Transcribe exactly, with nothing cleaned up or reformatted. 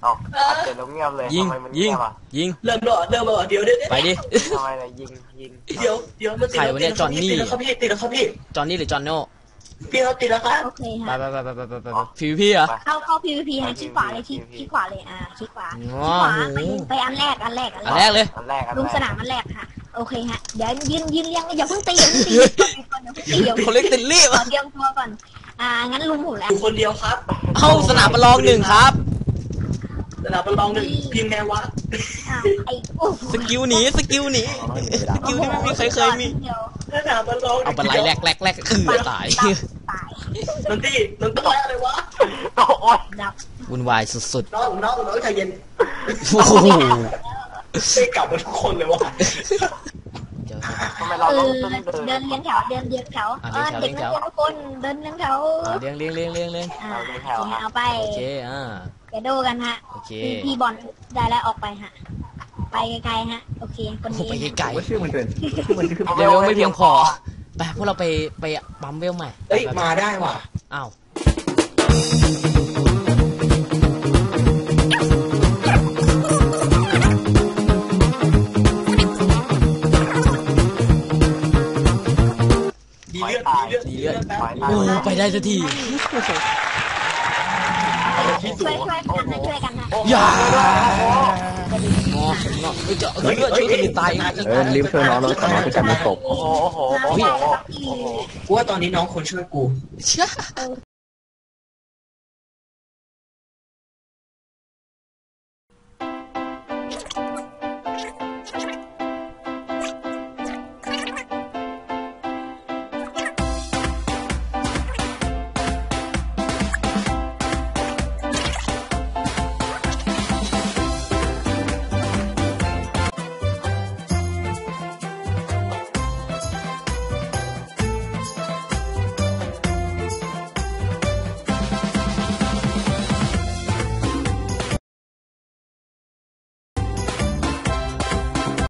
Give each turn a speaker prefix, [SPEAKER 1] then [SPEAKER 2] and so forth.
[SPEAKER 1] เอาเดี๋ยวเราเงียบเลย
[SPEAKER 2] ยิง
[SPEAKER 1] ทำไมมัน
[SPEAKER 2] ยิ
[SPEAKER 1] เงี
[SPEAKER 2] ง
[SPEAKER 1] ยบอ่ะ
[SPEAKER 2] ยิง
[SPEAKER 3] เริ่มแล้วเริ่มแล้วเดี๋ยวเดี๋ยว
[SPEAKER 2] ไปดิ
[SPEAKER 1] ทำไมล่ะยิงยิง
[SPEAKER 3] เดี๋ยวเดี๋ยวมันติดแล้วติดแล้วครับพี่ติดแล้วครับพี่
[SPEAKER 2] จอห์นนี่หรือจอห์นโน่
[SPEAKER 3] พี่เขาติดแล้วครับ
[SPEAKER 4] โอเค
[SPEAKER 2] ไป
[SPEAKER 4] ฮะ
[SPEAKER 2] ไปไปไปไปไปไปพีพีเหรอ
[SPEAKER 4] เข้าเข้า พี วี พี ฮะคลิกขวาเลยคลิกคลิกขวาเลยอ่าคลิกขวาคลิก
[SPEAKER 2] ว้า
[SPEAKER 4] ขวาว
[SPEAKER 2] โห
[SPEAKER 4] ไปไปอันแรกอันแรกอัน
[SPEAKER 2] อัน
[SPEAKER 4] แร
[SPEAKER 2] แร
[SPEAKER 4] ก
[SPEAKER 2] กเลย
[SPEAKER 1] อันแรกอัน
[SPEAKER 4] ลุง
[SPEAKER 1] แร
[SPEAKER 4] ส
[SPEAKER 1] ก
[SPEAKER 4] นามอันแรกค่ะโอเคฮะเดี๋ยวยืนยืนเรียงอย่าเพิ่งตีอย่าเพิ่งตีอย่าเพิ่งตีอย่าเพิ่ง
[SPEAKER 2] เขาเรียกติดรีบ
[SPEAKER 4] ขอเตรียมตัวก่อนอ่างั้นลุงผมแล้ว
[SPEAKER 3] อยู่คนเดียวครับ
[SPEAKER 2] เข้าสนามประลองหนึ่งครับ
[SPEAKER 3] สนามประลองหนึ่งพิมพ์ไงวะ
[SPEAKER 4] อ้าวไอ้โอ้
[SPEAKER 2] สกิลหนีสกิลหนีสกิลที่ไม่มีใครเคยมี
[SPEAKER 4] เดี๋ยว
[SPEAKER 3] สนามประลอง
[SPEAKER 2] เอาไปไล่แรกแรกแรกคือตาย
[SPEAKER 4] ตาย
[SPEAKER 3] นนที่นนต้องอะไรวะ
[SPEAKER 1] โอ้ย
[SPEAKER 4] ดับ
[SPEAKER 2] วุ่นวายสุด
[SPEAKER 3] น้องน้องน้องใจเย็น
[SPEAKER 2] ๆโอ้โห
[SPEAKER 3] ไม่กลับมาทุกคนเลยวะ
[SPEAKER 2] เดี๋ยว
[SPEAKER 1] ทำไมเรา
[SPEAKER 4] เอ
[SPEAKER 1] ต้อง
[SPEAKER 4] อ
[SPEAKER 1] ต้องเดิน
[SPEAKER 4] เดินเลี้ยงแถวเดินเลี้ยงแถว
[SPEAKER 2] อ่ะ
[SPEAKER 4] เออ
[SPEAKER 2] เลี้
[SPEAKER 4] เด็
[SPEAKER 2] ย
[SPEAKER 4] ก
[SPEAKER 2] งแถว
[SPEAKER 4] นักเรียนทุกคนเดินเลี้ยงแถว
[SPEAKER 2] อ่ะเลี้ยงเลี้ยงเลี้ยงเลี้ยงเลี้ยง
[SPEAKER 4] อ่าโอเคเอาไป
[SPEAKER 2] โอเคอ่า
[SPEAKER 4] แกโดกันฮะ
[SPEAKER 2] โอเค
[SPEAKER 4] พี่พี่บอลได้แล้วออกไปฮะไปไกลๆฮะโอเคคน
[SPEAKER 2] โอ้
[SPEAKER 4] นี้
[SPEAKER 2] ไปไกล
[SPEAKER 5] ว่าชื่อมันเกินชื่อมันคือ
[SPEAKER 2] ๆเร็วไม่เพียงพอไปพวกเราไปไปปั๊มเวลใหม่
[SPEAKER 3] เอ้ยมาได้ว่ะ
[SPEAKER 2] อ้าว
[SPEAKER 3] ดีเลือดดีเลือด
[SPEAKER 2] โอ้ไปได้สักที
[SPEAKER 3] ที่สู
[SPEAKER 4] ช่วย
[SPEAKER 3] ง
[SPEAKER 4] ช่วยกันนะช่วยกันนะ
[SPEAKER 2] อย่างอเงาเฮ้ยจะเฮ้ยช่วยกันตาย
[SPEAKER 5] เออรีบช่วยน้องน้องขอน้องจะกลายเป็นศพ
[SPEAKER 1] โอ้โหโอ้โหโอ้โหโอ้โห
[SPEAKER 3] กูว่าตอนนี้น้องคนช่วยกู
[SPEAKER 2] เชื่อ
[SPEAKER 4] โอ